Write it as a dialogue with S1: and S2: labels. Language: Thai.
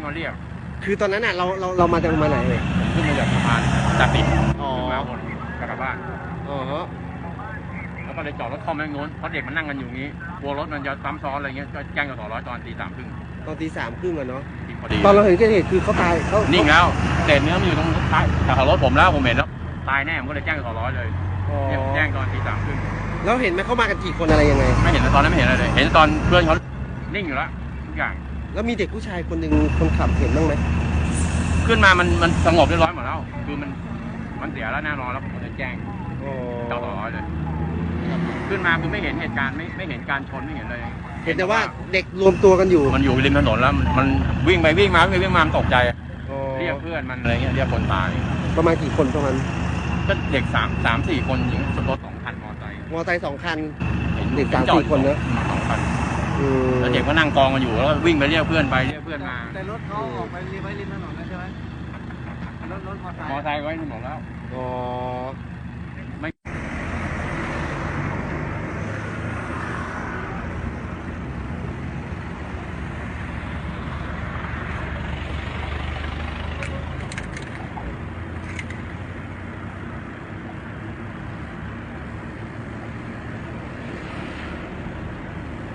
S1: มาเรียก
S2: คือตอนนั้นน่ะเรามาจากมาไหนเลย
S1: ขึ้นมาจากสะพานจากติด
S2: อ๋อ
S1: ขึ้นมาบนกลับบ้าน
S2: อ๋อฮะ
S1: แล้วก็เลยจอดรถคอมแม่งนู้นเพราะเด็กมันนั่งกันอยู่งี้กลัวรถมันจะซ้ำซ้อนอะไรเงี้ยก็แจ้งกสร้อยตอนตี 3:30
S2: ตอนตี 3:30อะเนาะ
S1: พอดี
S2: ตอนเราเห็นเกิดเหตุคือเขาตายเขา
S1: นิ่งแล้วเศษเนื้อมันอยู่ตรงท้ายแต่รถผมแล้วผมเห็นแล้วตายแน่ผมก็เลยแจ้งกสร้อยเลย
S2: อ๋อ
S1: แจ้งตอนตี 3:30
S2: แล้วเห็นไหมเขามากันกี่คนอะไรยังไง
S1: ไม่เห็นตอนนั้นไม่เห็นอะไรเลยเห็นตอนเพื่อนเขานิ่งอยู่แล้วทุกอย่าง
S2: แล้วมีเด็กผู้ชายคนหนึ่งคนขับเห็นบ้างไหม
S1: ขึ้นมามันสงบเรียบร้อยหมดแล้วคือมันเสียแล้วแน่นอนแล้วผมก็เลยแจ้ง
S2: อ๋อ
S1: กสร้อยเลยขึ้นมาคือไม่เห็นเหตุการณ์ไม่เห็นการชนไม่เห็นเลย
S2: เห็นแต่ว่าเด็กรวมตัวกันอยู่
S1: มันอยู่ริมถนนแล้วมันวิ่งไปวิ่งมามันตกใจ
S2: อ๋อ
S1: เรียกเพื่อนมันอะไรเงี้ยเรียกคนตาย
S2: ประมาณกี่คนประมาณ
S1: ก็เด็ก3-4 คนหญิงรถ2 คันมอเตอร์ไซค์
S2: มอไซค์2 คัน
S1: เห็น
S2: เด็ก
S1: จอด
S2: 3-4 คนนะ
S1: 2 คัน
S2: อืม
S1: แล้วเด็กก็นั่งกองกันอยู่แล้วก็วิ่งไปเรียกเพื่อนไปเรียกเพื่อนมา
S3: แต่รถเขาออกไปริมถนนแล้วใช่ไหมรถมอเตอร์ไซค์
S1: มอเตอร์ไซค์ไว้ถนนแล้ว
S2: อ๋อ